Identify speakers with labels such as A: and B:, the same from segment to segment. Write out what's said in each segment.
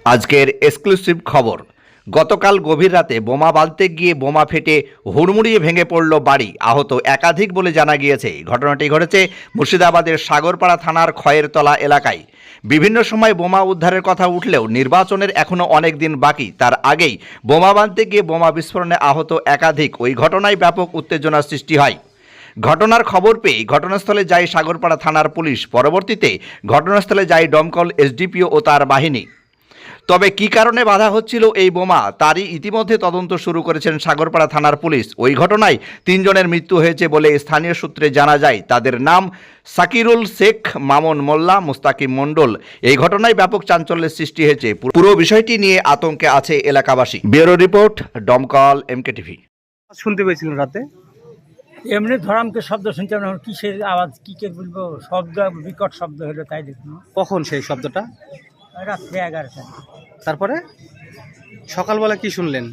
A: আজকের এক্সক্লুসিভ খবর। গতকাল গভীর রাতে বোমা বাঁধতে গিয়ে বোমা ফেটে হুড়মুড়িয়ে ভেঙে পড়ল বাড়ি, আহত একাধিক বলে জানা গিয়েছে। ঘটনাটি ঘটেছে মুর্শিদাবাদের সাগরপাড়া থানার খয়েরতলা এলাকায়। বিভিন্ন সময় বোমা উদ্ধারের কথা উঠলেও নির্বাচনের এখনও অনেক দিন বাকি, তার আগেই বোমা বাঁধতে গিয়ে বোমা বিস্ফোরণে আহত একাধিক। ওই ঘটনায় ব্যাপক উত্তেজনার সৃষ্টি হয়। ঘটনার খবর পেয়ে ঘটনাস্থলে যায় সাগরপাড়া থানার পুলিশ। পরবর্তীতে ঘটনাস্থলে যায় দমকল, এসডিপিও ও তার বাহিনী। তবে কী কারণে বাধা হচ্ছিল এই বোমা, তারই ইতিমধ্যে তদন্ত শুরু করেছেন সাগরপাড়া থানার পুলিশ। ওই ঘটনায় 3 জনের মৃত্যু হয়েছে বলে স্থানীয় সূত্রে জানা যায়। তাদের নাম সাকিরুল শেখ, মামুন মোল্লা, মুস্তাকিম মণ্ডল। এই ঘটনায় ব্যাপক চাঞ্চল্যের সৃষ্টি হয়েছে। পুরো বিষয়টি নিয়ে আতঙ্কে আছে এলাকাবাসী। ব্যুরো রিপোর্ট, দমকল, এমকে টিভি।
B: শুনতে পেয়েছিলেন রাতে?
C: এমনি ধরামকে শব্দ শুনছিলাম, এখন কিসের আওয়াজ, কি কে বলবো, শব্দ বিকট শব্দ হলো, তাই দেখুন।
B: কখন সেই শব্দটা?
C: রাত্রে 11টা।
B: তারপরে সকালবেলা কি শুনলেন?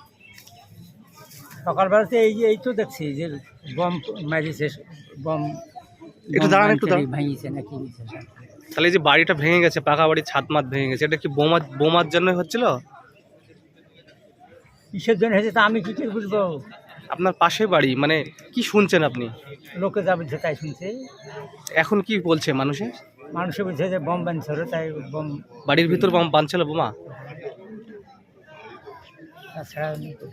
C: সকালবেলাতে এই তো দেখছি যে বম মারিছে, বম
B: একটু দাঁড়ান, একটু দাঁড়ান।
C: ভাঙিছে নাকি?
B: তাহলে এই যে বাড়িটা ভেঙে গেছে, পাকা বাড়ির ছাদ মাত ভেঙে গেছে, এটা কি বোমার জন্য হচ্ছিল?
C: কিসের জন্য হয়েছে তা আমি কি করে বুঝবো?
B: আপনার পাশে বাড়ি, মানে কি শুনছেন আপনি?
C: লোকে যা বলছে তাই শুনছে।
B: এখন কি বলছে মানুষে?
C: মানুষে বলছে যে বম বানছিল, তাই বম
B: বাড়ির ভিতর বোম বানছিল, বোমা।
C: তাছাড়া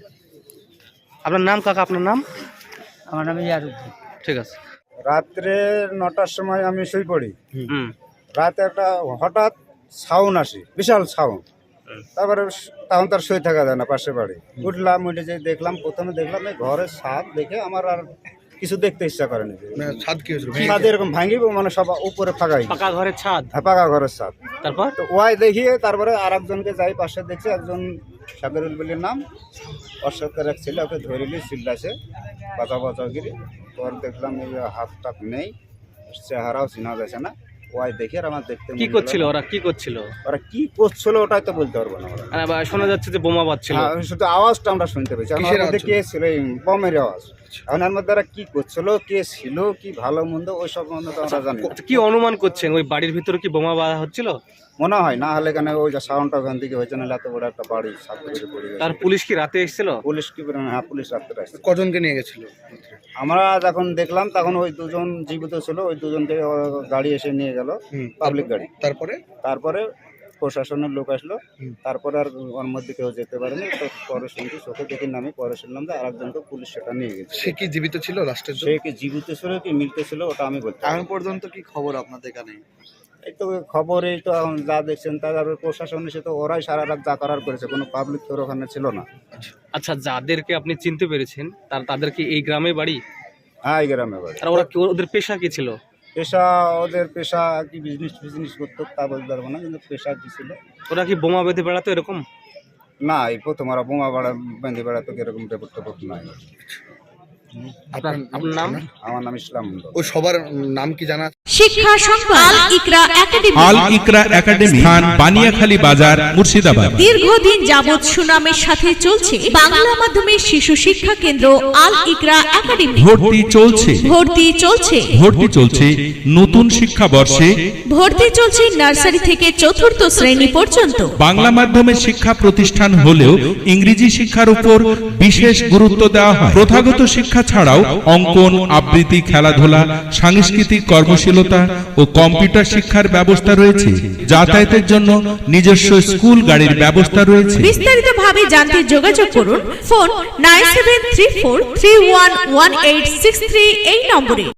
B: আপনার নাম কাকা? আপনার নাম?
C: আমার নাম ইয়ারুদ্দিন।
B: ঠিক আছে।
D: রাত্রে 9টার সময় আমি শুয়ে পড়ি।
B: হুম।
D: রাতে একটা হঠাৎ সাউন্ড আসে, বিশাল সাউন্ড। তারপরে তখন তার শুয়ে থাকা যায় না, পাশে বাড়ি। উঠলাম, উঠে যে দেখলাম, প্রথমে দেখলাম এই ঘরের ছাদ দেখে আমার আর কিছু দেখতে ইচ্ছা করেনি। ছাদ এরকম ভাঙিব, মানে সব উপরে ফাঁকাই,
B: পাকা ঘরের ছাদ?
D: হ্যাঁ, পাকা ঘরের ছাদ।
B: তারপর
D: তো ওয়াই দেখিয়ে তারপরে আর একজনকে যাই পাশে দেখছি, একজন সাগরুল বলির নাম, অশোকের এক ছেলে, ওকে ধরিলি চিল্লাছে বাঁচাগিরি। পর দেখলাম এই হাত টাত নেই, চেহারাও চিনা যাচ্ছে না। ওয়াই দেখে আর আমার দেখতে
B: কি করছিল ওরা? কি করছিল
D: ওরা? কি করছিল ওটাই তো বলতে পারবো না। ওরা
B: শোনা যাচ্ছে যে বোমা বাজছিল।
D: শুধু আওয়াজটা আমরা শুনতে পেয়েছি। আমার মধ্যে কে ছিল, এই বমের আওয়াজ। এখন এর মধ্যে ওরা কি করছিল, কে ছিল, কি ভালো মন্দ, ওই সব মন্দ তো আমরা জানি না।
B: কি অনুমান করছেন, ওই বাড়ির ভিতরে কি বোমা বাঁধা হচ্ছিল?
D: মনে হয় না, হলে কেন ওই যে সাউন্ডটা ওখান থেকে হয়েছে, না এত বড় একটা বাড়ি ছাত্র পড়ে গেছে।
B: তার পুলিশ কি রাতে এসেছিল?
D: পুলিশ কি? হ্যাঁ, পুলিশ রাত্রে আসছে।
B: কজনকে নিয়ে গেছিল?
D: আমরা যখন দেখলাম তখন ওই 2 জন জীবিত ছিল, ওই 2 জনকে গাড়ি এসে নিয়ে গেল, পাবলিক গাড়ি। তারপরে প্রশাসনের লোক আসলো। তারপরে আর ওর মধ্যে কেউ যেতে পারেনি। তো পরে শুনছি, চোখে দেখি নামে পরে শুনলাম যে আরেকজনকে পুলিশ সেটা নিয়ে গেছে।
E: সে কি জীবিত ছিল লাস্টের?
D: সে কি জীবিত ছিল কি মৃত ছিল ওটা আমি বলতে পারবো না।
E: এখন পর্যন্ত কি খবর আপনাদের এখানে?
D: এই তো খবর, এই তো এখন যা দেখছেন, তারপরে প্রশাসন এসে তো ওরাই সারা রাত যা করার করেছে, কোনো পাবলিক তোর ওখানে ছিল না।
B: আচ্ছা, যাদেরকে আপনি চিনতে পেরেছেন তাদের কি এই গ্রামে বাড়ি?
D: হ্যাঁ, এই গ্রামে বাড়ি।
B: আর ওরা কি, ওদের পেশা কি ছিল?
D: ওদের পেশা কি বিজনেস করতো তা বলতে পারবো না, কিন্তু পেশা কি ছিল।
B: ওরা কি বোমা বেঁধে বেড়াতো এরকম?
D: না, এই প্রথম ওরা বোমা বেঁধে বেড়াতো, এরকম রেপোর্ট নাই।
B: আপনার নাম?
D: আমার নাম ইসলাম মন্ডল।
E: ও সবার নাম কি জানা?
F: শিক্ষা সংবাদ আল ইকরা একাডেমি।
G: আল ইকরা একাডেমি, স্থান বানিয়াখালী বাজার, মুর্শিদাবাদ।
F: দীর্ঘদিন যাবৎ সুনামের সাথে চলছে বাংলা মাধ্যমের শিশু শিক্ষা কেন্দ্র আল ইকরা একাডেমি।
G: ভর্তি চলছে নতুন শিক্ষাবর্ষে।
F: ভর্তি চলছে নার্সারি থেকে 4র্থ শ্রেণী পর্যন্ত।
G: বাংলা মাধ্যমের শিক্ষা প্রতিষ্ঠান হলেও ইংরেজি শিক্ষার উপর বিশেষ গুরুত্ব দেওয়া হয়। প্রথাগত শিক্ষা ছাড়াও অঙ্কন, আবৃত্তি, খেলাধুলা, সাংস্কৃতিক কর্মশীলতা ও কম্পিউটার শিক্ষার ব্যবস্থা রয়েছে। যাতায়াতের জন্য নিজস্ব স্কুল গাড়ির ব্যবস্থা রয়েছে।
F: বিস্তারিতভাবে জানতে যোগাযোগ করুন ফোন 9734311863 এই নম্বরে।